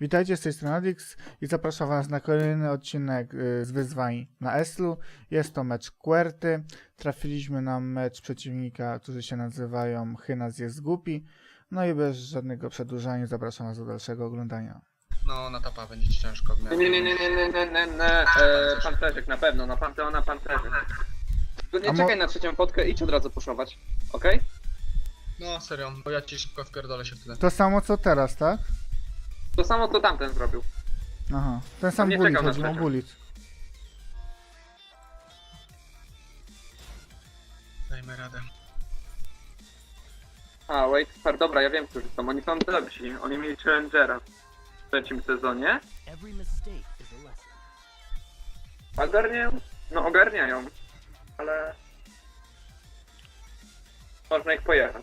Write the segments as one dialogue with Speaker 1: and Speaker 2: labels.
Speaker 1: Witajcie, z tej strony Adix i zapraszam was na kolejny odcinek z wyzwań na Eslu. Jest to mecz Querty. Trafiliśmy na mecz przeciwnika, którzy się nazywają Hynas jest głupi. No i bez żadnego przedłużania zapraszam was do dalszego oglądania.
Speaker 2: No, na topa będzie ci ciężko.
Speaker 3: Nie. Pancerzek na pewno, na Panteona pancerzek. Tylko nie czekaj na trzecią potkę, idź od razu puszować, okej?
Speaker 2: No, serio, bo ja ci szybko wpierdolę się wtedy.
Speaker 1: To samo co teraz, tak?
Speaker 3: To samo co tamten zrobił.
Speaker 1: Aha, ten sam
Speaker 3: Nie
Speaker 1: bullet,
Speaker 3: czekał na
Speaker 1: chodzi o
Speaker 3: trzecią.
Speaker 1: bullet.
Speaker 2: Dajmy radę.
Speaker 3: A, wait, fair, dobra, ja wiem, którzy są. Oni są lepsi. Oni mieli Challengera w trzecim sezonie. Ogarniają? No, ogarniają. Ale... można ich pojechać.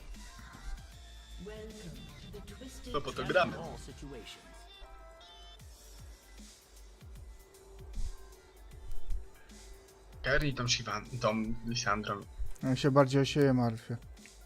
Speaker 2: To po to gramy. Kerry tą Shivan, tą Lissandrą.
Speaker 1: Ja się bardziej o siebie martwię.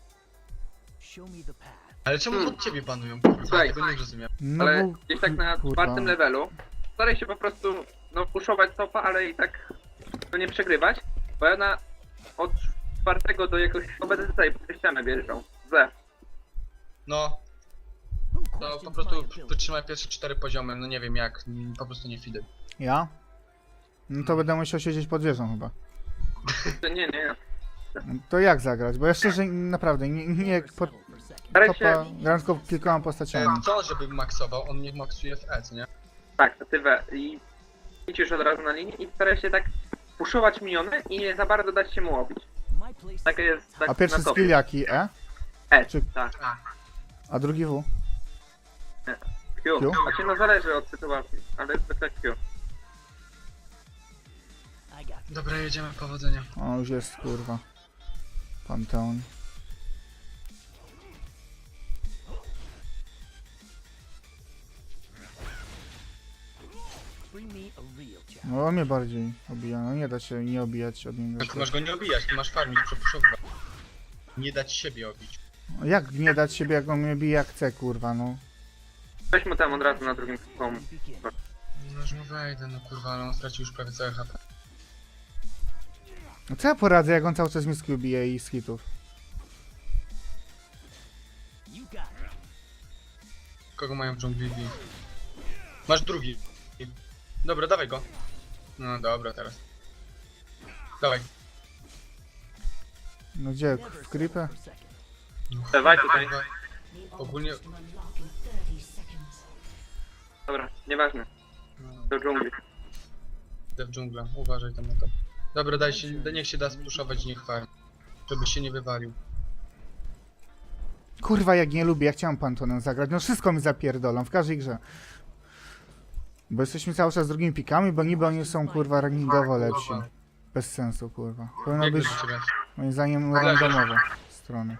Speaker 2: Ale czemu od ciebie panują? Kurwa,
Speaker 3: Słuchaj.
Speaker 2: tego nie rozumiem.
Speaker 1: No
Speaker 3: Ale
Speaker 1: bo...
Speaker 3: gdzieś tak na
Speaker 1: kurwa.
Speaker 3: czwartym levelu staraj się po prostu, no, puszować topa, ale i tak to nie przegrywać, bo ja od czwartego do jakoś będę tutaj po ścianę wjeżdżał.
Speaker 2: No, to po prostu wytrzymaj pierwsze 4 poziomy, no nie wiem jak, po prostu nie fidy.
Speaker 1: Ja? No to będę musiał siedzieć pod wieżą chyba.
Speaker 3: Nie.
Speaker 1: To jak zagrać? Bo ja szczerze naprawdę nie pod
Speaker 3: Staraj
Speaker 1: topa
Speaker 3: się,
Speaker 1: gram tylko kilkoma postaciami.
Speaker 2: Co, żeby maksował? On nie maksuje w E, co nie?
Speaker 3: tak, tywę i idź już od razu na linię i staraj się tak puszować miniony i nie za bardzo dać się mu obić. Takie jest tak
Speaker 1: A pierwszy
Speaker 3: na topie.
Speaker 1: skill jaki? E? Czy-
Speaker 3: Tak,
Speaker 1: A drugi W?
Speaker 3: Q.
Speaker 1: Q?
Speaker 3: Znaczy no zależy od sytuacji, ale zwykle Q.
Speaker 2: Dobra, jedziemy, powodzenia.
Speaker 1: O, już jest kurwa. Panteon. No on mnie bardziej obija, no nie da się nie obijać od niego.
Speaker 2: Tak, masz go nie obijać, ty masz farmić, przepuszowywać. Nie dać siebie obić.
Speaker 1: Jak nie dać siebie, jak on mnie bije jak chce, kurwa, no.
Speaker 3: Weź mu tam od razu na drugim komu.
Speaker 2: No już mu wejdę, no kurwa, ale on stracił już prawie całe HP.
Speaker 1: No co ja poradzę, jak on cały czas miski bije i z hitów?
Speaker 2: Kogo mają w dżungli? Masz drugi. Dobra, dawaj go. No dobra, teraz. Dawaj.
Speaker 1: No gdzie? W creepę?
Speaker 3: Dawaj tutaj.
Speaker 2: Kurwa. Ogólnie...
Speaker 3: Dobra, nieważne.
Speaker 2: No,
Speaker 3: Do dżungli.
Speaker 2: idę w dżunglę, uważaj tam na to. Dobra, daj się, niech się da spuszować, niech farmi. Żeby się nie wywalił.
Speaker 1: Kurwa, jak nie lubię, ja chciałem Pantonem zagrać, no wszystko mi zapierdolą, w każdej grze. Bo jesteśmy cały czas z drugimi pikami, bo niby oni są, kurwa, rankingowo lepsi. Bez sensu, kurwa. Powinno
Speaker 2: Jak
Speaker 1: być,
Speaker 2: do ciebie?
Speaker 1: moim zdaniem, randomowe strony.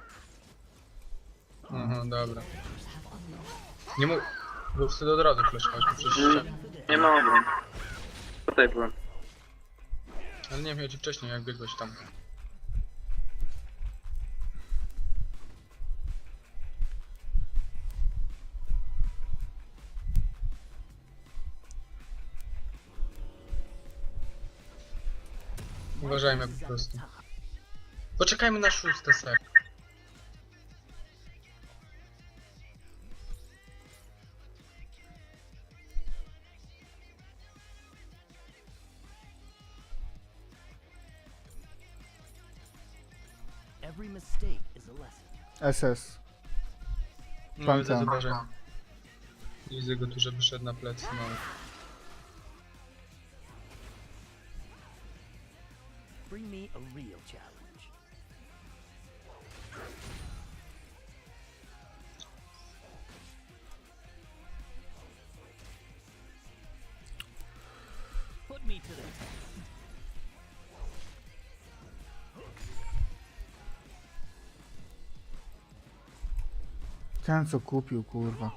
Speaker 2: Aha, dobra. Nie mógł... Był wtedy od razu flashować, bo przecież...
Speaker 3: Nie mogę. Tutaj byłem.
Speaker 2: Ale nie wiem, ja ci wcześniej, jak biegłeś tam. Uważajmy po prostu. Poczekajmy na 6. ser.
Speaker 1: SS.
Speaker 2: No widzę,
Speaker 1: Panteon.
Speaker 2: zobaczę. Widzę go tu, żeby szedł na plecy, no.
Speaker 4: Bring me a real challenge. Put me to the test.
Speaker 1: Ten co kupił, kurwa.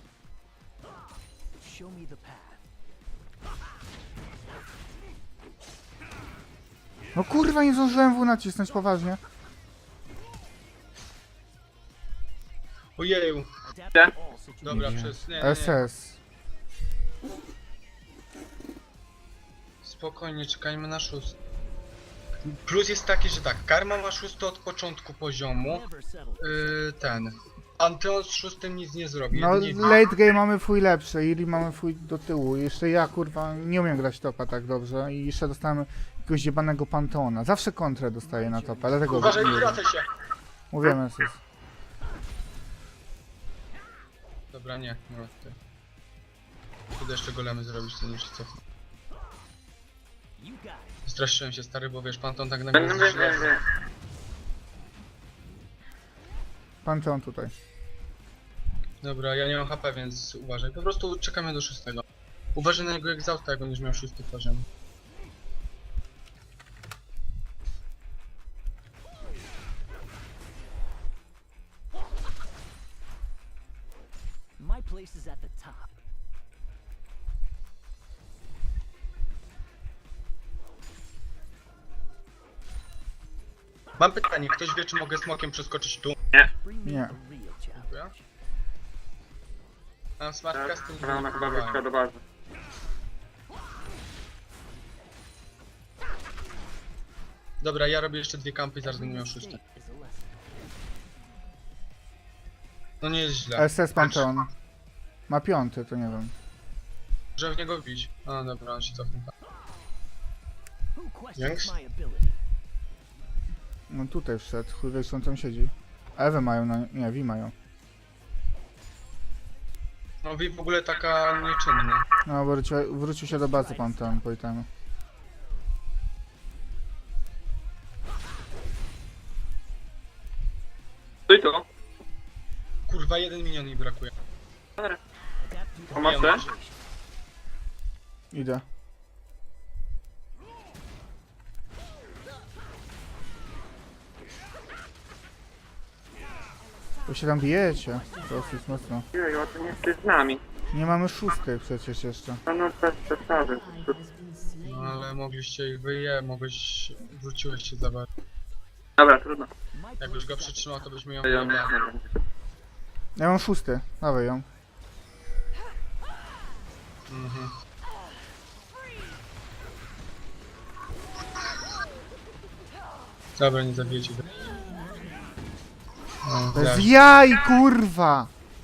Speaker 4: Show me the path.
Speaker 1: No kurwa, nie zdążyłem W nacisnąć, poważnie.
Speaker 2: Ojeju,
Speaker 4: Adapt to all situations.
Speaker 2: dobra,
Speaker 1: Nie.
Speaker 2: przez... Nie.
Speaker 1: SS.
Speaker 2: Spokojnie, czekajmy na 6. Plus jest taki, że tak, karma ma 6 od początku poziomu.
Speaker 4: Never settle.
Speaker 2: Ten. Panteon z 6 nic nie zrobi.
Speaker 1: No
Speaker 2: jedynie-
Speaker 1: late game mamy fuj lepszy, Iri mamy fuj do tyłu. Jeszcze ja kurwa nie umiem grać topa tak dobrze i jeszcze dostałem jakiegoś jebanego Panteona. Zawsze kontrę dostaję na topa, dlatego
Speaker 2: Uważaj, wracaj się!
Speaker 1: mówimy sus.
Speaker 2: Dobra, nie, no ty. Kiedy jeszcze golemy zrobić, to już co?
Speaker 4: You got it.
Speaker 2: Straszyłem się stary, bo wiesz, Panteon tak
Speaker 3: Nie,
Speaker 2: nagle
Speaker 3: nie, nie, nie.
Speaker 1: Panteon tutaj.
Speaker 2: Dobra, ja nie mam HP, więc uważaj. Po prostu czekamy do 6. Uważaj na jego egzausta, jak on już miał 6 poziom.
Speaker 4: My place is at the top.
Speaker 2: Mam pytanie, ktoś wie, czy mogę smokiem przeskoczyć tu?
Speaker 4: Bring me
Speaker 1: Nie.
Speaker 4: a real challenge.
Speaker 2: Mam smart
Speaker 3: Tak,
Speaker 2: casting.
Speaker 3: ona chyba wróciła do bazy.
Speaker 2: Dobra, ja robię jeszcze 2 kampy i zaraz będę miał 6.
Speaker 4: Mistake is a lesson.
Speaker 2: No nie jest źle.
Speaker 1: SS Panteon. Ma 5, to nie wiem.
Speaker 2: Może w niego wbić. A dobra, on się cofnął.
Speaker 4: Who questions
Speaker 2: Yanks?
Speaker 4: my ability?
Speaker 1: No tutaj wszedł, chuj wie, co on tam siedzi. Ewę mają, nie, Wi mają.
Speaker 2: No Wi w ogóle taka nieczynna.
Speaker 1: No wrócił się do bazy Panteon po itemu.
Speaker 3: Stój tu.
Speaker 2: Kurwa, 1 minion mi brakuje.
Speaker 4: Adapt to the
Speaker 3: Pomocy?
Speaker 4: situation.
Speaker 1: Idę. Bo się tam bijecie, dosyć mocno.
Speaker 3: Jeju, a ty nie jesteś z nami.
Speaker 1: Nie mamy 6 przecież jeszcze.
Speaker 3: No bez przesady.
Speaker 2: No ale mogliście ich mogłeś... Wróciłeś się za bardzo.
Speaker 3: Dobra, trudno.
Speaker 4: My place
Speaker 2: Jakbyś go
Speaker 4: is at the
Speaker 2: przytrzymał, to byśmy ją
Speaker 3: Ja nie
Speaker 2: wyjebali.
Speaker 3: wiem.
Speaker 1: Ja mam 6, dawaj ją.
Speaker 2: Mhm. Dobra, nie zabijecie go. No,
Speaker 1: Bez
Speaker 2: tak.
Speaker 1: jaj, kurwa!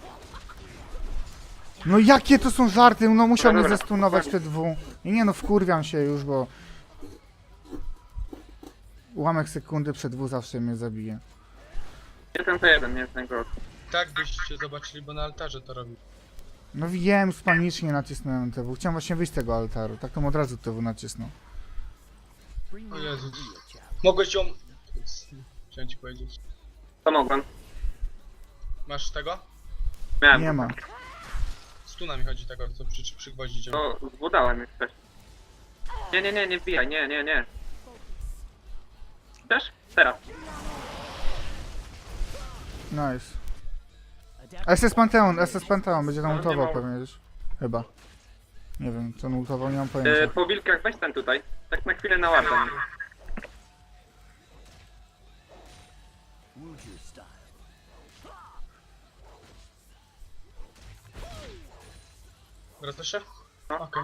Speaker 1: No jakie to są żarty? No musiał mnie
Speaker 3: Dobra.
Speaker 1: zestunować te dwu. I nie no, wkurwiam się już, bo... Ułamek sekundy przed dwu zawsze mnie zabije.
Speaker 3: 1-1, nie jest najgorszy.
Speaker 2: Tak byście zobaczyli, bo na altarze to robi.
Speaker 1: No wiem, spanicznie nacisnąłem TW. Chciałem właśnie wyjść z tego altaru. Tak to od razu TW nacisnął.
Speaker 4: Bring me
Speaker 2: O
Speaker 4: a
Speaker 2: Jezus.
Speaker 4: real challenge.
Speaker 2: Mogłeś ją... Chciałem ci powiedzieć.
Speaker 3: To mogłem.
Speaker 2: Masz tego?
Speaker 3: Miałem.
Speaker 1: Nie ma.
Speaker 2: Stuna mi chodzi tego, co przygwoździć ją.
Speaker 3: To zbudałem już wcześniej. Nie wbijaj, nie. Chcesz? Teraz.
Speaker 1: Nice.
Speaker 4: Adapt
Speaker 1: SS Panteon, będzie tam
Speaker 3: No,
Speaker 1: ultował
Speaker 3: nie ma-
Speaker 1: pewnie gdzieś. Chyba. Nie wiem, co on ultował, nie mam pojęcia.
Speaker 3: Po wilkach weź ten tutaj. Tak na chwilę na ładną.
Speaker 4: Wuju style.
Speaker 2: Wracasz się?
Speaker 3: No.
Speaker 2: Okej.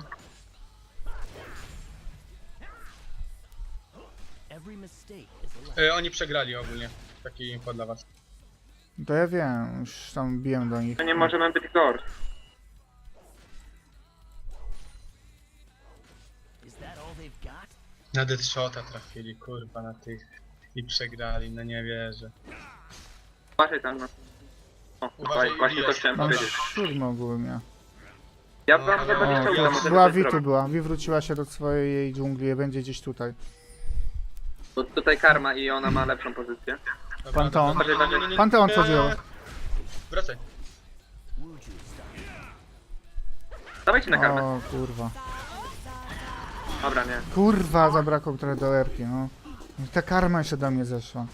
Speaker 4: Every mistake is a lesson.
Speaker 2: Oni przegrali ogólnie. Taki info dla was.
Speaker 1: To ja wiem, już tam biłem do nich.
Speaker 3: To nie możemy być gorsi.
Speaker 4: Is that all they've got?
Speaker 2: Na Deadshota trafili, kurwa, na tych. I przegrali, no nie wierzę.
Speaker 3: Uważaj tam no. O,
Speaker 2: Uważaj,
Speaker 3: właśnie to
Speaker 2: bijesz.
Speaker 3: chciałem
Speaker 1: Mam
Speaker 3: powiedzieć.
Speaker 1: 7 ogólnie.
Speaker 3: Ja
Speaker 2: No,
Speaker 3: wam
Speaker 2: ale-
Speaker 3: za 20
Speaker 2: O,
Speaker 3: uda, może
Speaker 1: Była
Speaker 3: coś
Speaker 1: Vi tu
Speaker 3: zrobić.
Speaker 1: była. Vi wróciła się do swojej dżungli i będzie gdzieś tutaj.
Speaker 3: Bo tutaj karma i ona ma lepszą pozycję.
Speaker 2: Dobra,
Speaker 1: Panteon.
Speaker 2: dobra, nie.
Speaker 1: Panteon, co dzieło?
Speaker 2: Wracaj.
Speaker 4: Wuju style.
Speaker 3: Dawajcie na karmę.
Speaker 1: O kurwa.
Speaker 3: Dobra, nie.
Speaker 1: Kurwa, zabrakło trochę do erki, no. Ta karma jeszcze do mnie zeszła.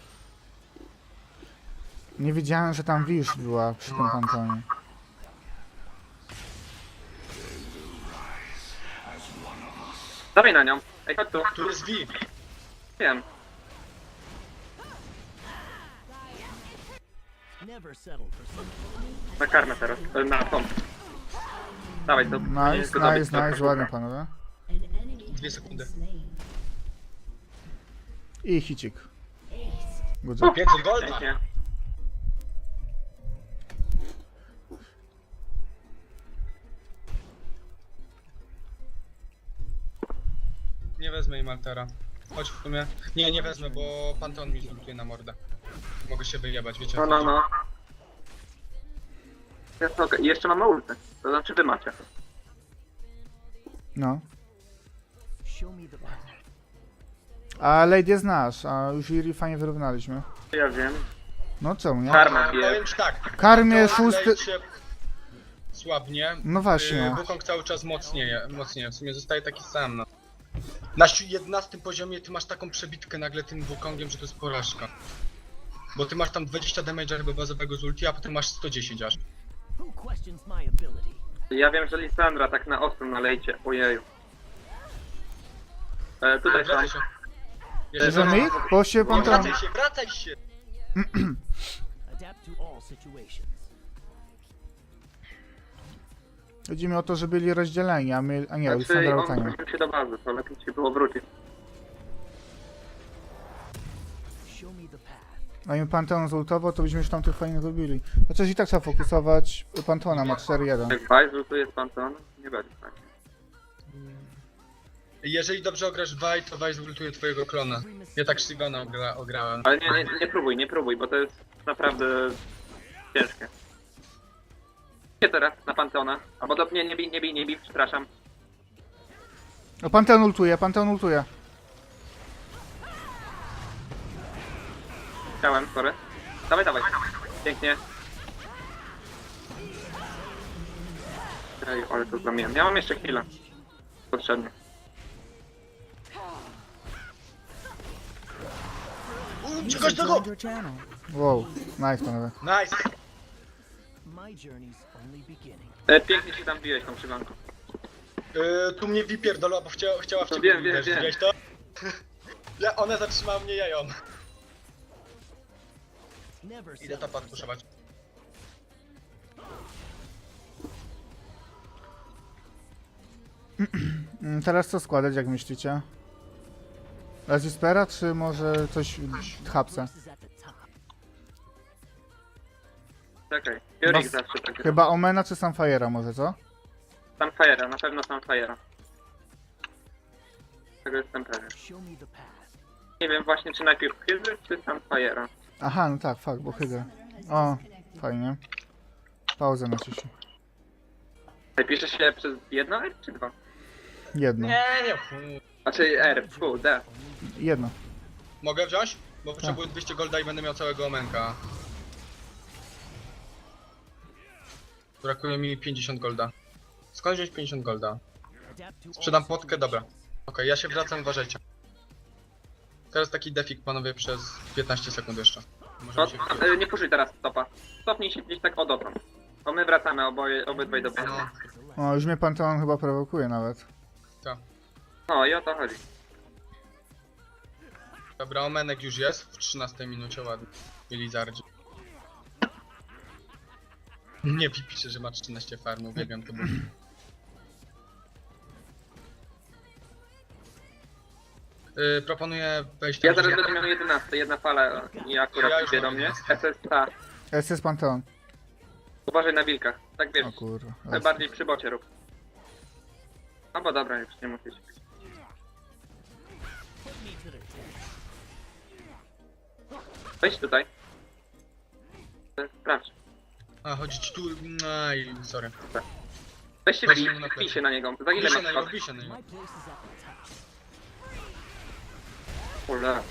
Speaker 1: Nie wiedziałem, że tam Wisz była przy tym Panteonie.
Speaker 3: Dawaj na nią. Ej, chodź tu.
Speaker 2: Tu jest V.
Speaker 3: Wiem.
Speaker 4: Never settle for something.
Speaker 3: Na karmę teraz. Na tą. Dawaj, to
Speaker 1: Nice, ładnie panowie.
Speaker 2: 2 sekundy.
Speaker 1: I hicik. Good job.
Speaker 2: 500 golda!
Speaker 3: Pięknie.
Speaker 2: Nie wezmę im altera. Chodź w sumie. Nie wezmę, bo Panteon mi zultuje na mordę. Mogę się wyjebać, wiecie o co chodzi.
Speaker 3: No. Jest okej. I jeszcze mamy ulty. To znaczy wy macie.
Speaker 1: No.
Speaker 4: Show me the path.
Speaker 1: A Lady jest nasz, a już Iri fajnie wyrównaliśmy.
Speaker 3: Ja wiem.
Speaker 1: No czemu nie?
Speaker 3: Karma bije.
Speaker 2: Powiem ci tak.
Speaker 1: Karmie
Speaker 2: Panteon
Speaker 1: szósty...
Speaker 2: lejcie słabnie.
Speaker 1: No właśnie.
Speaker 2: Wukong cały czas mocnieje. W sumie zostaje taki sam, no. Na 11 poziomie ty masz taką przebitkę nagle tym Wukongiem, że to jest porażka. Bo ty masz tam 20 damage'a chyba bazowego z ulti, a potem masz 110 aż.
Speaker 4: Who questions my ability?
Speaker 3: Ja wiem, że Lisandra tak na ostro nalejcie. Ojeju. Tutaj są.
Speaker 2: Wracaj się.
Speaker 1: Bierzemy ich? Bo się pan tam...
Speaker 2: Wracaj się!
Speaker 4: Adapt to all situations.
Speaker 1: Chodzi mi o to, że byli rozdzieleni, a my... A nie,
Speaker 3: Znaczy,
Speaker 1: Lisandra
Speaker 3: on
Speaker 1: Otania.
Speaker 3: wrócił się do bazy, to lepiej ci było wrócić.
Speaker 4: Show me the path.
Speaker 1: A im Panteon zultował, to byśmy już tam tych fajnych robili. Chociaż i tak trzeba fokusować. Pantona ma 4-1.
Speaker 3: Jak Vice tu jest Panteon, nie będzie tak.
Speaker 2: Jeżeli dobrze ograsz Vaj, to Vaj zultuje twojego klona. Ja tak Shivana ograłem.
Speaker 3: Ale nie próbuj, bo to jest naprawdę ciężkie. Gdzie teraz na Panteona? Albo nie bij, przepraszam.
Speaker 1: O, Panteon ultuje.
Speaker 3: Chciałem, sorry. Dawaj. Pięknie. Ej, ale to zamieniam. Ja mam jeszcze chwilę. Potrzebnie.
Speaker 2: Czegoś tego!
Speaker 1: Wow, nice panowie.
Speaker 2: Nice!
Speaker 4: My journey's only beginning.
Speaker 3: Pięknie się tam biłeś tą przyganką.
Speaker 2: Tu mnie wypierdolła, bo chciała w
Speaker 3: No
Speaker 2: ciebie
Speaker 3: wiem.
Speaker 2: uderzyć, widziałeś to? Ona zatrzymała mnie jają.
Speaker 4: Never
Speaker 2: Idę
Speaker 4: settle
Speaker 2: topa
Speaker 4: for
Speaker 2: puszować.
Speaker 1: Teraz co składać, jak myślicie? Razispera, czy może coś w hapce?
Speaker 4: This is at the top.
Speaker 3: Czekaj. Fury
Speaker 1: Bas-
Speaker 3: zawsze tak.
Speaker 1: Chyba Omena czy Sunfire'a może, co?
Speaker 3: Sunfire'a, na pewno Sunfire'a. Tego jestem pewien.
Speaker 4: Show me the path.
Speaker 3: Nie wiem właśnie czy najpierw Hydry czy Sunfire'a.
Speaker 1: Aha, no tak, fakt, bo Hydra. O, fajnie. Pauzę naciśnij.
Speaker 3: Napisze się przez jedno R czy dwa?
Speaker 1: Jedno.
Speaker 2: Nie.
Speaker 3: Znaczy R, D.
Speaker 1: Jedno.
Speaker 2: Mogę wziąć? Bo potrzebuję 200 golda i będę miał całego omenka. Brakuje mi 50 golda. Skąd wziąć 50 golda?
Speaker 4: Adapt to
Speaker 2: Sprzedam
Speaker 4: all
Speaker 2: potkę, dobra. Okej, ja się wracam, uważajcie. Teraz taki defik panowie przez 15 sekund jeszcze.
Speaker 3: No,
Speaker 2: Możemy się
Speaker 3: nie puszuj teraz stopa. Stopnij się gdzieś tak o dotąd. Bo my wracamy obydwaj do bazy.
Speaker 2: No,
Speaker 1: O, już mnie Panteon chyba prowokuje nawet.
Speaker 2: tak.
Speaker 3: No i o to chodzi.
Speaker 2: Dobra, omenek już jest w 13 minucie, ładnie. I Lizardzi. Nie pisze, że ma 13 farm, uwielbiam to. Proponuję wejść
Speaker 3: Ja
Speaker 2: tam,
Speaker 3: zaraz
Speaker 2: gdzie-
Speaker 3: będę miał 11, jedna fala i akurat
Speaker 2: Ja już
Speaker 3: idzie do
Speaker 2: mam
Speaker 3: mnie.
Speaker 2: 11.
Speaker 3: SSA.
Speaker 1: SS Panteon.
Speaker 3: Uważaj na wilkach. Tak wiesz,
Speaker 1: O kurwa.
Speaker 3: bardziej przy bocie rób. No bo dobra, już nie musisz.
Speaker 4: put me to the test.
Speaker 3: Wejdź tutaj. Sprawdź.
Speaker 2: A, chodzi ci tu... Aj, sorry.
Speaker 3: Weź się
Speaker 2: Weź mu na
Speaker 3: wbij
Speaker 2: plecy.
Speaker 3: się na niego. Za ile
Speaker 2: Wbij się
Speaker 3: masz
Speaker 2: na niego,
Speaker 3: skok?
Speaker 2: wbij się na niego.
Speaker 4: My place is at the top.
Speaker 3: Kurde.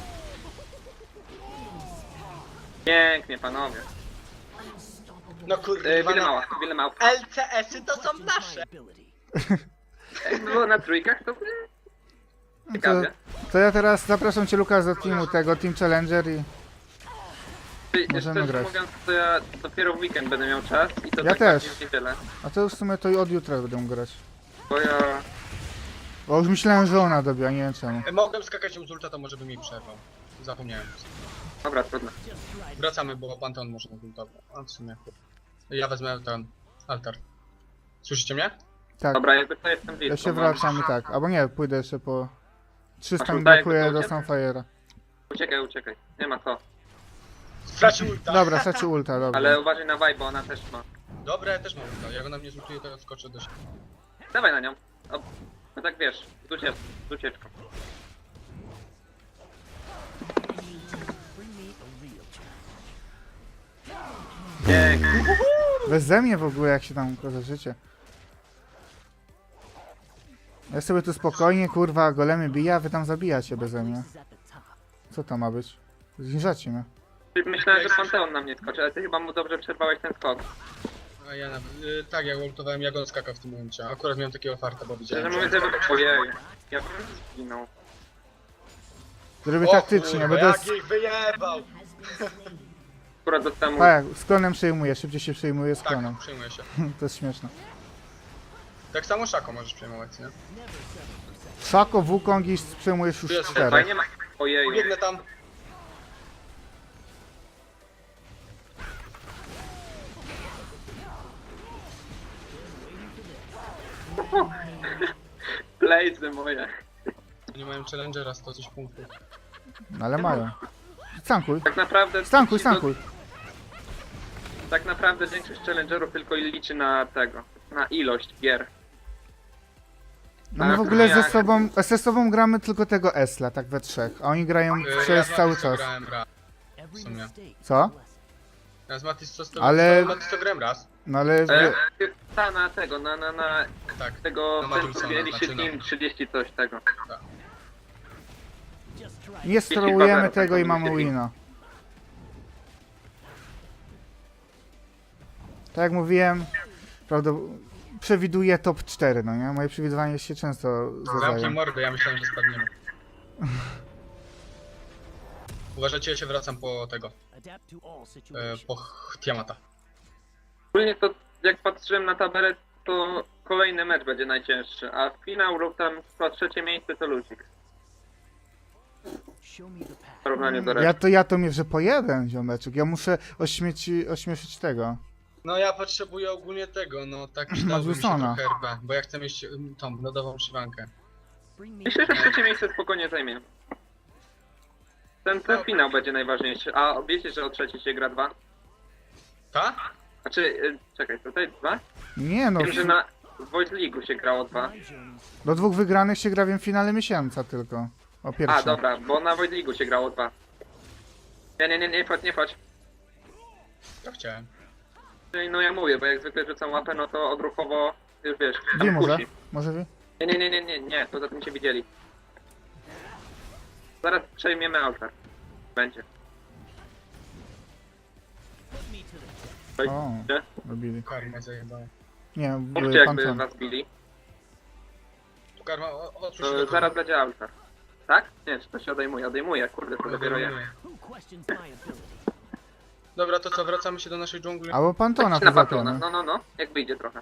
Speaker 3: Pięknie, panowie.
Speaker 2: No kurde,
Speaker 3: Wiele mała.
Speaker 2: LCS-y to są
Speaker 4: Questions my
Speaker 2: nasze!
Speaker 4: ability.
Speaker 3: Jakby było na trójkach, to
Speaker 1: To,
Speaker 3: ciekawie.
Speaker 1: to ja teraz zapraszam cię, Lukas, do teamu tego, Team Challenger i... Możemy
Speaker 3: Szczerze
Speaker 1: grać.
Speaker 3: mówiąc, to ja dopiero w weekend będę miał czas i to
Speaker 1: Ja
Speaker 3: tak
Speaker 1: też.
Speaker 3: bardziej niewiele.
Speaker 1: A to już w sumie to i od jutra będę grać.
Speaker 3: Bo ja...
Speaker 1: Bo już myślałem, że ona dobiła, nie wiem czemu.
Speaker 2: Mogłem skakać ją z ulta, to może bym jej przerwał. Zapomniałem.
Speaker 3: Dobra, trudno.
Speaker 4: Just try
Speaker 2: Wracamy, bo Panteon może na ultował. A w sumie. Ja wezmę ten altar. Słyszycie mnie?
Speaker 1: Tak,
Speaker 3: Dobra, jakby to jestem blisko.
Speaker 1: ja się
Speaker 3: mam.
Speaker 1: wracam i tak. Albo nie, pójdę jeszcze po... 300 mi
Speaker 3: Masz ulta,
Speaker 1: brakuje
Speaker 3: jakby
Speaker 1: do
Speaker 3: to
Speaker 1: Sunfire'a.
Speaker 3: Uciekaj. Nie ma co.
Speaker 2: Stracił ulta.
Speaker 1: Dobra, stracił ulta, dobra.
Speaker 3: Ale uważaj na vibe, bo ona też ma.
Speaker 2: Dobra, ja też mam ulta. Jak ona mnie zultuje, to ja skoczę do siebie.
Speaker 3: Dawaj na nią. O, no tak wiesz, z ucieczką.
Speaker 4: Bring me a real challenge.
Speaker 3: Pięknie.
Speaker 1: Beze mnie w ogóle, jak się tam życie. Ja sobie tu spokojnie, kurwa, golemy bija, a wy tam zabijacie beze mnie.
Speaker 4: Place is at the top.
Speaker 1: Co to ma być? Zniżacie mnie.
Speaker 3: Myślałem, że Panteon na mnie skoczy, ale ty chyba mu dobrze przerwałeś ten skok.
Speaker 2: A ja tak, jak ultowałem, jak on skakał w tym momencie. Akurat miałem takiego farta, bo
Speaker 3: Szczerze
Speaker 2: widziałem.
Speaker 3: mówiąc,
Speaker 2: że-
Speaker 3: że ojej. Ja bym zginął.
Speaker 1: Zrobię
Speaker 2: O
Speaker 1: taktycznie,
Speaker 2: kurwa,
Speaker 1: będę...
Speaker 2: jak ich wyjebał!
Speaker 3: Akurat dostałem
Speaker 1: Tak, z klonem przejmuję, szybciej się przejmuje z
Speaker 2: Tak,
Speaker 1: klonem.
Speaker 2: przejmuję się.
Speaker 1: To jest śmieszne.
Speaker 2: Tak samo Szako możesz przejmować, nie?
Speaker 1: Szako, Wukong i przejmujesz już
Speaker 2: Jest,
Speaker 1: 4.
Speaker 3: Fajnie ma... Ojej.
Speaker 2: Biegnę tam.
Speaker 3: Blazy moje.
Speaker 2: Oni mają challengera 100 coś punktów.
Speaker 1: No ale mają. Stankuj,
Speaker 3: Tak naprawdę...
Speaker 1: stankuj, stankuj.
Speaker 3: Tak naprawdę większość challengerów tylko liczy na tego. Na ilość gier.
Speaker 1: No my w ogóle ze sobą gramy tylko tego Esla, tak we trzech. A oni grają przez
Speaker 2: ja z
Speaker 1: cały
Speaker 2: Matis to
Speaker 1: czas.
Speaker 2: grałem raz.
Speaker 4: Every
Speaker 2: sumie.
Speaker 4: mistake is
Speaker 1: Co?
Speaker 4: a lesson.
Speaker 2: Ja z Matis to
Speaker 1: Ale-
Speaker 2: Matis to grałem raz.
Speaker 1: No ale...
Speaker 3: Ta na tego, na
Speaker 2: Tak.
Speaker 3: tego...
Speaker 2: Na
Speaker 3: ten
Speaker 2: Madrusona,
Speaker 3: mieliście
Speaker 2: znaczy, no.
Speaker 3: team 30 coś tego.
Speaker 4: Just try
Speaker 1: Nie sterujemy
Speaker 3: Jeśli
Speaker 1: tego i
Speaker 3: bawerem,
Speaker 1: mamy
Speaker 3: tak
Speaker 1: wina. Tak jak mówiłem, przewiduję top 4, no nie? Moje przewidywanie się często
Speaker 2: Zamknij
Speaker 1: zdarzają.
Speaker 2: mordę, ja myślałem, że spadniemy. Uważajcie, ja się wracam po tego,
Speaker 4: adapt to all situations.
Speaker 2: po Tiamata.
Speaker 3: Ogólnie to jak patrzyłem na tabelę, to kolejny mecz będzie najcięższy, a finał lub tam chyba trzecie miejsce to ludzik.
Speaker 4: Show me the
Speaker 3: W
Speaker 4: path.
Speaker 3: porównaniu do reszty.
Speaker 1: Ja to mierzę po jeden, ziomeczek. Ja muszę ośmieszyć tego.
Speaker 2: No ja potrzebuję ogólnie tego, no tak przydałby mi się
Speaker 1: Madrusona.
Speaker 2: trochę RP, bo ja chcę mieć tą lodową szywankę.
Speaker 4: Bring me
Speaker 3: Myślę, że trzecie miejsce spokojnie zajmie. Ten finał będzie najważniejszy. A wiecie, że o trzecie się gra 2?
Speaker 2: Ta?
Speaker 3: Znaczy, czekaj, tutaj 2?
Speaker 1: Nie no,
Speaker 3: Wiem, że na Void League'u się grało 2.
Speaker 4: my journeys.
Speaker 1: do 2 wygranych się gra w finale miesiąca tylko. O
Speaker 3: A,
Speaker 1: pierwsze.
Speaker 3: dobra, bo na Void League'u się grało 2. Nie wchodź.
Speaker 2: To chciałem.
Speaker 3: Czyli no ja mówię, bo jak zwykle rzucam łapę, no to odruchowo, już wiesz,
Speaker 1: Wi
Speaker 3: tam
Speaker 1: może?
Speaker 3: kusi.
Speaker 1: Może wi?
Speaker 3: Nie, poza tym cię widzieli. Zaraz przejmiemy altar. Będzie.
Speaker 4: Put me to the test.
Speaker 3: Oj,
Speaker 1: O,
Speaker 3: gdzie?
Speaker 1: robili.
Speaker 2: Karma zajebałem.
Speaker 1: Nie,
Speaker 3: Mówcie
Speaker 1: były
Speaker 3: jakby
Speaker 1: Panton.
Speaker 3: was bili,
Speaker 2: Karma, otwórz się
Speaker 3: to
Speaker 2: do
Speaker 3: zaraz będzie altar. Tak? Nie, czy to się odejmuje, kurde, to dopiero ja.
Speaker 2: Odejmuję.
Speaker 4: Who questions my ability?
Speaker 2: Dobra, to co, wracamy się do naszej dżungli?
Speaker 1: Albo Pantona
Speaker 3: Na
Speaker 1: poza
Speaker 3: patrona,
Speaker 1: tym.
Speaker 3: no, jak wyjdzie trochę.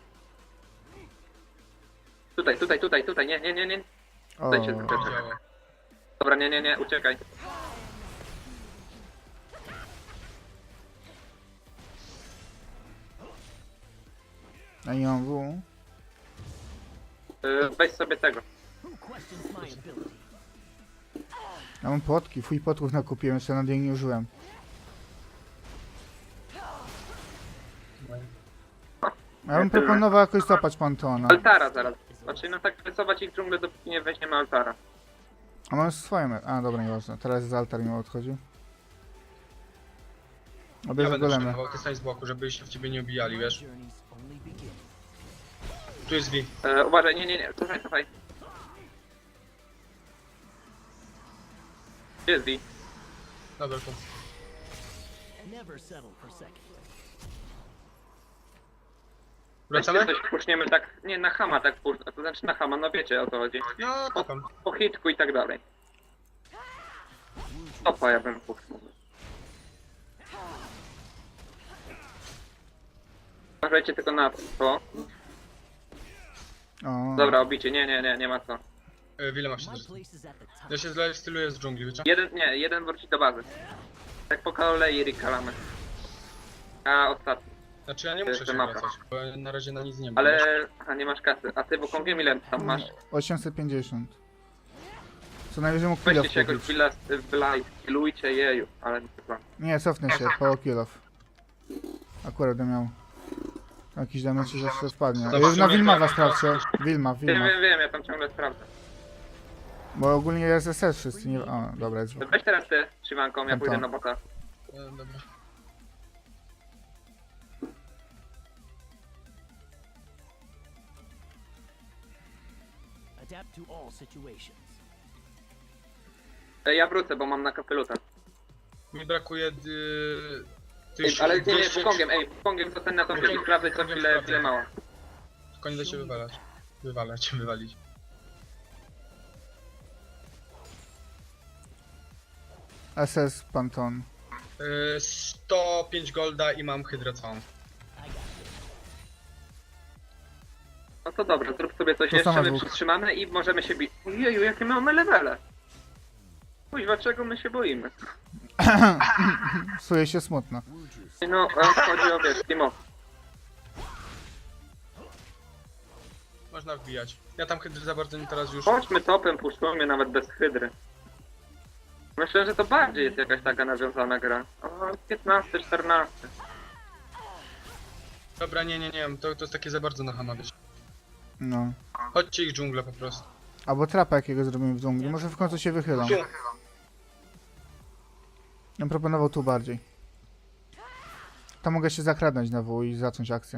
Speaker 3: Tutaj, nie.
Speaker 1: O,
Speaker 3: Tutaj się
Speaker 2: To
Speaker 3: zaczeka.
Speaker 2: działo.
Speaker 3: Dobra, nie, uciekaj.
Speaker 1: a nie mam W.
Speaker 3: Weź sobie tego.
Speaker 4: Who questions my ability?
Speaker 1: Ja mam płotki, fuj płotków nakupiłem, jeszcze na dzień nie użyłem. Ja bym proponował jakoś złapać Pantona.
Speaker 3: Altara zaraz. Znaczy, no tak rysować ich dżunglę, dopóki nie weźmiemy altara.
Speaker 1: A mam swoje. A dobra, nieważne. Teraz jest altar mi odchodzi.
Speaker 2: Ja
Speaker 1: Obierze
Speaker 2: będę
Speaker 1: golemy.
Speaker 2: przejmował, ty stań z boku, żeby się w ciebie nie obijali,
Speaker 4: My
Speaker 2: wiesz?
Speaker 4: journeys only begin.
Speaker 2: Tu jest V.
Speaker 3: Uważaj, nie, cofaj. Gdzie jest V?
Speaker 2: Dobra, to.
Speaker 4: Never settle for second.
Speaker 2: Wracamy?
Speaker 3: Weźcie coś puszniemy tak, nie, na Hama tak puszczę, to znaczy na Hama, no wiecie o co chodzi.
Speaker 2: No, to tam.
Speaker 3: Po hitku i tak dalej. Topa ja bym puszczał. Uważajcie tylko na to.
Speaker 1: O,
Speaker 3: Dobra, obicie, nie ma co.
Speaker 2: Wile masz się
Speaker 4: My
Speaker 2: zresztą.
Speaker 4: place is at the top.
Speaker 2: Ja się styluję z dżungli, wiecie?
Speaker 3: Jeden wróci do bazy. Tak po kolei Rick kalamy. A ostatni.
Speaker 2: Znaczy ja nie
Speaker 3: To
Speaker 2: muszę
Speaker 3: jest
Speaker 2: się
Speaker 3: mapa.
Speaker 2: wracać, bo ja na razie na nic nie mam.
Speaker 3: Ale... Aha, nie masz kasy. A ty Wukongiem ile tam masz?
Speaker 1: 850. Co najwyżej mógł kill
Speaker 3: Weźcie się jakoś bilujcie jeju, ale nie chyba.
Speaker 1: Nie, cofnę się, po kill off. Akurat będę miał jakiś damage i zawsze spadnie.
Speaker 2: Dobra,
Speaker 1: Na Wilma
Speaker 2: dobra,
Speaker 1: sprawdźcie. Wilma.
Speaker 3: Wiem, ja tam ciągle sprawdzę.
Speaker 1: Bo ogólnie jest SS wszyscy, nie... O, dobra, jest
Speaker 3: Weź teraz ty, Szywanką, ja
Speaker 1: Tam,
Speaker 3: pójdę
Speaker 1: tam.
Speaker 3: na bota.
Speaker 2: Dobra.
Speaker 4: Adapt to all situations.
Speaker 3: Ja wrócę, bo mam na kapeluta.
Speaker 2: Mi brakuje...
Speaker 3: Ale nie,
Speaker 2: 200
Speaker 3: Wukongiem to ten na tą chwilę sprawdzę co chwilę mało.
Speaker 2: Tylko nie da się wywalić.
Speaker 1: SS Panton.
Speaker 2: 105 golda i mam hydrę całą.
Speaker 4: I got this.
Speaker 3: No to dobrze, zrób sobie coś
Speaker 1: To
Speaker 3: jeszcze,
Speaker 1: same
Speaker 3: my
Speaker 1: dwóch.
Speaker 3: przytrzymamy i możemy się bić. Jeju, jakie mamy levele. Kuźwa, czego my się boimy?
Speaker 1: Psuje się smutno.
Speaker 3: No, chodzi o wiesz, team up.
Speaker 2: Można wbijać. Ja tam hydry za bardzo nie teraz już...
Speaker 3: Chodźmy topem, puszczujmy nawet bez hydry. Myślę, że to bardziej jest jakaś taka nawiązana gra. O, 15, 14.
Speaker 2: Dobra, nie, to jest takie za bardzo na hama wiesz.
Speaker 1: No.
Speaker 2: Chodźcie ich dżunglę po prostu.
Speaker 1: Albo trapa jakiego zrobimy w dżungli. Może w końcu się wychylą. Ja bym proponował tu bardziej. Tam mogę się zakradnąć na W i zacząć akcję.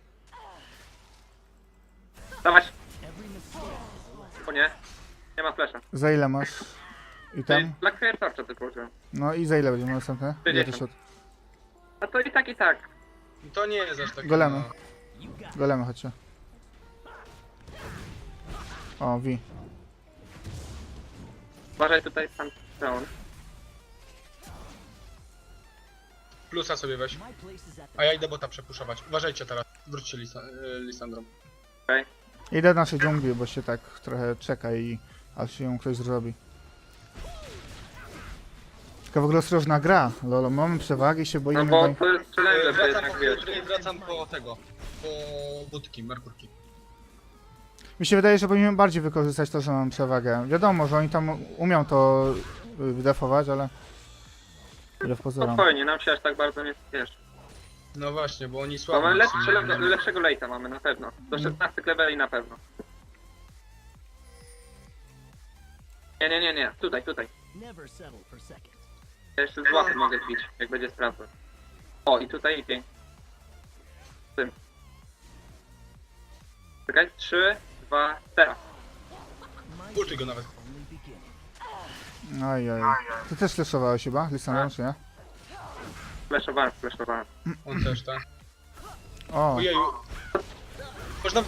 Speaker 3: Dawać,
Speaker 4: Every mistake is a lesson.
Speaker 3: o nie. Nie ma flesza.
Speaker 1: Za ile masz? I tam?
Speaker 3: Blackfire Torcha tylko użyłem.
Speaker 1: No i za ile będziemy następne? Ile to
Speaker 3: 50.
Speaker 1: się
Speaker 3: A to i tak.
Speaker 2: To nie jest aż takie...
Speaker 1: Golemy.
Speaker 2: No.
Speaker 4: You got it.
Speaker 1: Golemy, chodźcie. O, V.
Speaker 3: Uważaj tutaj Pantheon.
Speaker 2: Plusa sobie weź.
Speaker 4: My place is at
Speaker 2: A
Speaker 4: the
Speaker 2: ja idę bota przepuszować. Uważajcie teraz. Wróćcie Lisandrą.
Speaker 1: Idę do naszej dżungli, bo się tak trochę czeka i aż się ją ktoś zrobi. Tylko w ogóle ostrożna gra, lolo, mamy przewagi i się
Speaker 3: No
Speaker 1: boimy,
Speaker 3: bo
Speaker 1: bo...
Speaker 3: to jest challenge, że
Speaker 2: Wracam
Speaker 3: jednak
Speaker 2: po
Speaker 3: wiesz.
Speaker 2: hydry i wracam po tego. Po budki, merkurki.
Speaker 1: Mi się wydaje, że powinniśmy bardziej wykorzystać to, że mamy przewagę. Wiadomo, że oni tam umią to wydefować, ale... Ile w pozorom.
Speaker 3: Spokojnie, nam się aż tak bardzo nie spieszy.
Speaker 2: No właśnie, bo oni
Speaker 3: Bo
Speaker 2: słabo.
Speaker 3: mamy
Speaker 2: są, nie?
Speaker 3: lepszego late'a mamy na pewno. Do 16 leveli na pewno. Nie. Tutaj.
Speaker 4: never settle for second.
Speaker 3: Ja jeszcze z łapy mogę bić, jak będzie sprawdzał. O, i tutaj i pięć. Tym. Czekaj, 3, 2, teraz.
Speaker 4: My
Speaker 2: Ultuj go nawet.
Speaker 4: only beginning.
Speaker 1: Ojej. Ty też fleszowałeś chyba, Lisandro, czy nie?
Speaker 3: Flashowałem.
Speaker 2: On też, tak?
Speaker 1: O,
Speaker 2: Ojeju. Można...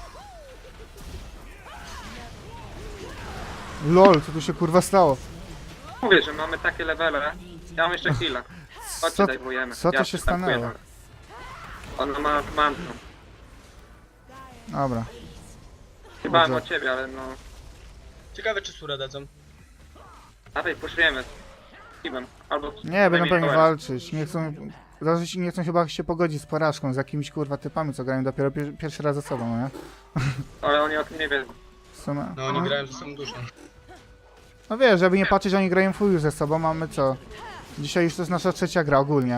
Speaker 1: lol, co tu się kurwa stało?
Speaker 3: Mówię, że mamy takie levele. Ja mam jeszcze chwilę. Chodźcie,
Speaker 1: Co,
Speaker 3: dajwujemy.
Speaker 1: co to
Speaker 3: Ja
Speaker 1: się
Speaker 3: przytankuję
Speaker 1: stanęło?
Speaker 3: nawet. Ona ma mantrą.
Speaker 1: Dobra.
Speaker 3: Chyba
Speaker 1: Dobrze.
Speaker 3: o ciebie, ale no...
Speaker 2: Ciekawe czy surę dadzą.
Speaker 3: Dawaj, puszujemy. Steven. Albo...
Speaker 1: Nie, będą
Speaker 3: najmniej
Speaker 1: pewnie
Speaker 3: power.
Speaker 1: walczyć. Nie chcą chyba się pogodzić z porażką, z jakimiś kurwa typami, co grają dopiero pierwszy raz ze sobą, no nie?
Speaker 3: Ale oni o tym nie wiedzą.
Speaker 1: W sumie,
Speaker 2: No oni grają ze sobą dużo.
Speaker 1: no wiesz, żeby nie patrzeć, oni grają full ze sobą, mamy co? Dzisiaj już to jest nasza trzecia gra ogólnie.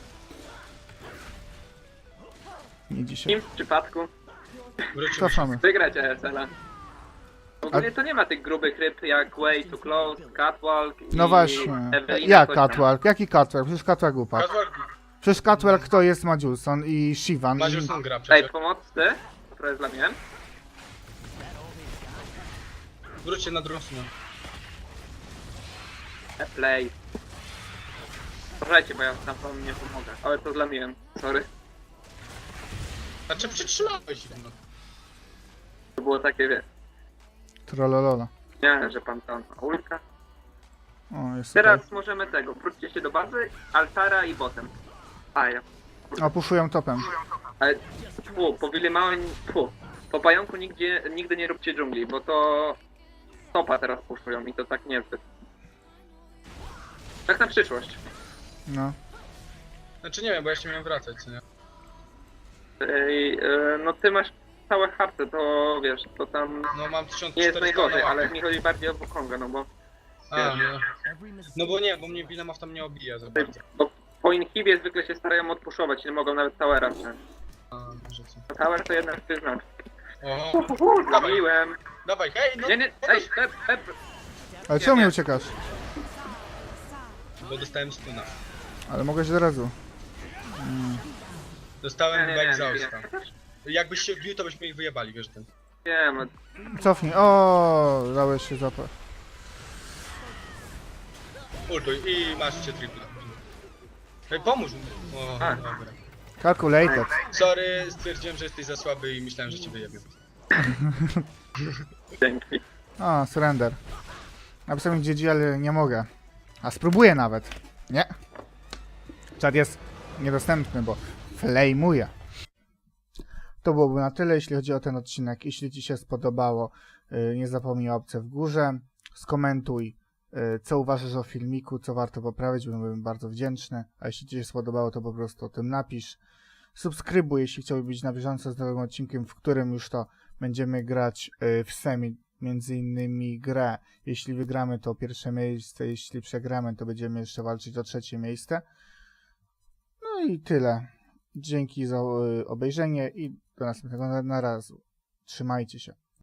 Speaker 1: Nie
Speaker 3: W
Speaker 1: dzisiaj.
Speaker 3: tym przypadku
Speaker 2: Wrócimy.
Speaker 1: Cofamy.
Speaker 3: wygrać ESL-a. Ogólnie to nie ma tych grubych ryb jak Way to Close, Catwalk i
Speaker 1: No właśnie.
Speaker 3: Evelina,
Speaker 1: Jak
Speaker 3: coś tam.
Speaker 1: Catwalk? Jaki Catwalk? Przecież Catwalk upadł.
Speaker 2: Catwalk,
Speaker 1: Przecież Catwalk to jest Majulson i Shivan.
Speaker 2: Maziuson gra
Speaker 3: Ej,
Speaker 2: przecież.
Speaker 3: pomocy? Trochę zlamiłem.
Speaker 2: Wróćcie na drugą stronę.
Speaker 3: Play. Uważajcie, bo ja tam wam nie pomogę. Ale to zlamiłem. Sorry.
Speaker 2: Znaczy przytrzymałeś ich, no.
Speaker 3: To było takie, wiesz.
Speaker 1: Trollolola.
Speaker 3: Nie, że pan tam ma ulka.
Speaker 1: O, jest
Speaker 3: Teraz
Speaker 1: tutaj.
Speaker 3: możemy tego. Wróćcie się do bazy, altara i botem. A ja.
Speaker 1: O, puszują topem.
Speaker 3: Ale po Willemałem, po pająku nigdy nie róbcie dżungli, bo to topa teraz puszują i to tak niezbyt. Tak na przyszłość.
Speaker 1: No.
Speaker 2: Znaczy nie wiem, bo ja się miałem wracać, co nie?
Speaker 3: No ty masz całe harce, to wiesz, to tam
Speaker 2: No mam
Speaker 3: nie jest
Speaker 2: 1400
Speaker 3: najgorzej,
Speaker 2: na
Speaker 3: ale
Speaker 2: łapie.
Speaker 3: mi chodzi bardziej o Wukonga, no bo
Speaker 2: A, no.
Speaker 4: Every mistake
Speaker 2: No bo nie, bo mnie Willemaf tam nie obija za bardzo.
Speaker 3: po inhibie zwykle się starają odpuszować, nie mogą nawet towera wziąć.
Speaker 2: A, może co.
Speaker 3: A tower to jednak ty znasz.
Speaker 2: Oho, dawaj,
Speaker 3: Zabiłem.
Speaker 2: dawaj, hej, no!
Speaker 3: Nie, ej,
Speaker 1: Ale czemu nie uciekasz?
Speaker 2: Bo dostałem stuna.
Speaker 1: Ale mogłeś od razu.
Speaker 2: Dostałem chyba
Speaker 3: nie,
Speaker 2: egzausta. Jakbyś się wbił, to byśmy ich wyjebali, wiesz ten.
Speaker 3: wiem,
Speaker 1: Cofnij. O, dałeś się zapach.
Speaker 2: Ultuj i masz cię tripla. Hej, pomóż mi. O,
Speaker 3: A.
Speaker 2: dobra.
Speaker 1: Calculated.
Speaker 2: Sorry, stwierdziłem, że jesteś za słaby i myślałem, że cię wyjebię.
Speaker 3: dzięki.
Speaker 1: O, surrender. Napisałem GG, ale nie mogę. A spróbuję nawet. Nie. Czat jest niedostępny, bo flameuje. To byłoby na tyle, jeśli chodzi o ten odcinek. Jeśli Ci się spodobało, nie zapomnij o łapce w górze. Skomentuj, co uważasz o filmiku, co warto poprawić, byłbym bardzo wdzięczny. A jeśli Ci się spodobało, to po prostu o tym napisz. Subskrybuj, jeśli chciałbyś być na bieżąco z nowym odcinkiem, w którym już to będziemy grać w semi, między innymi grę. Jeśli wygramy, to pierwsze miejsce, jeśli przegramy, to będziemy jeszcze walczyć o trzecie miejsce. No i tyle. Dzięki za obejrzenie i do następnego razu. Trzymajcie się.